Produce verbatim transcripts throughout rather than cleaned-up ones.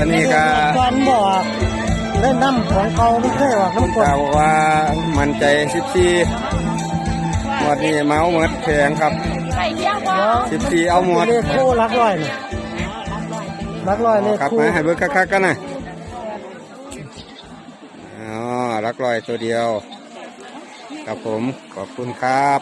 อันนี้ก็การบอกเล่นน้ำของเขาไม่ใช่หรอกน้ำกรดบอกว่ามันใจสิบสี่วันนี้เมาหมดแข็งครับสิบสี่เอาหมดเลขคู่รักร้อยนะรักร้อยเลขครับคู่มาให้เบิกคักๆกันนะอ๋อรักร้อยตัวเดียวครับผมขอบคุณครับ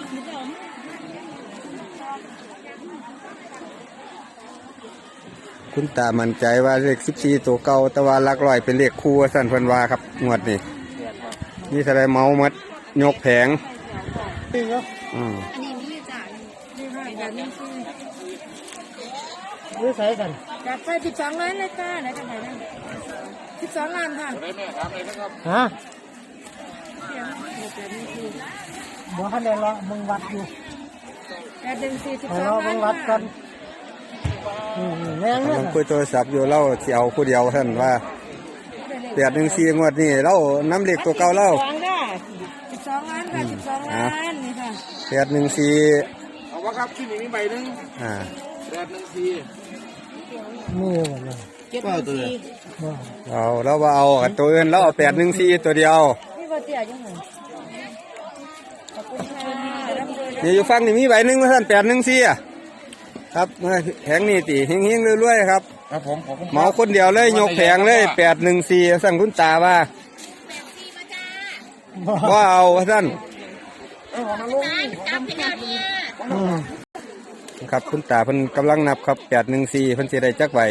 คุณตามั่นใจว่าเลขสิบสี่ตัวเก่าแต่ว่ารักร้อยเป็นเลขคู่สั่นเพิ่นว่าครับงวดนี้นี่แสดงเมาหมดยกแผงอืมนี่ใส่กันจัดไปสิบสองล้านเลยจ้าไหนจะไหนนะสิบสองล้านค่ะฮะบอกให้ได้ละมึงวัดอยู่แปดหนึ่งสี่สิบสองล้านมึงวัดกันแม่งเนี่ยผมคุยโทรศัพท์อยู่เล่าเสียวผู้เดียวท่านว่าแปดหนึ่งสี่งวดนี้เล่าน้ำเหล็กตัวเก่าเล่าสิบสองล้านค่ะสิบสองล้านนี่ค่ะแปดหนึ่งสี่เอาวะครับที่นี่มีใบหนึ่งอ่าแปดหนึ่งสี่นี่หมดเลยเจ็ดหนึ่งสี่เอาแล้วว่าเอาตัวอื่นแล้วเอาแปดหนึ่งสี่ตัวเดียวนี่ว่าเตี้ยยังไงขอบคุณค่ะนี่อยู่ฟังนี่มีใบหนึ่งท่านแปดหนึ่งสี่อ่ะครับแผงนี่ตีเฮงๆรวยๆครับครับผมเหมาคนเดียวเลยยกแผงเลยแปดหนึ่งสี่สั่งคุณตาว่าว่าเอาท่านครับคุณตาเพิ่นกำลังนับครับแปดหนึ่งสี่เพิ่นสิได้จักใบ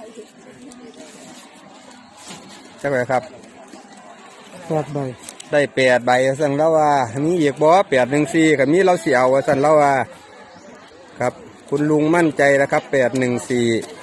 จักใบครับแปดใบได้แปดใบสั่งแล้วว่ามีอีกบ่แปดหนึ่งสี่กับมีเราเสียวสั่งแล้วว่าครับคุณลุงมั่นใจนะครับแปดหนึ่งสี่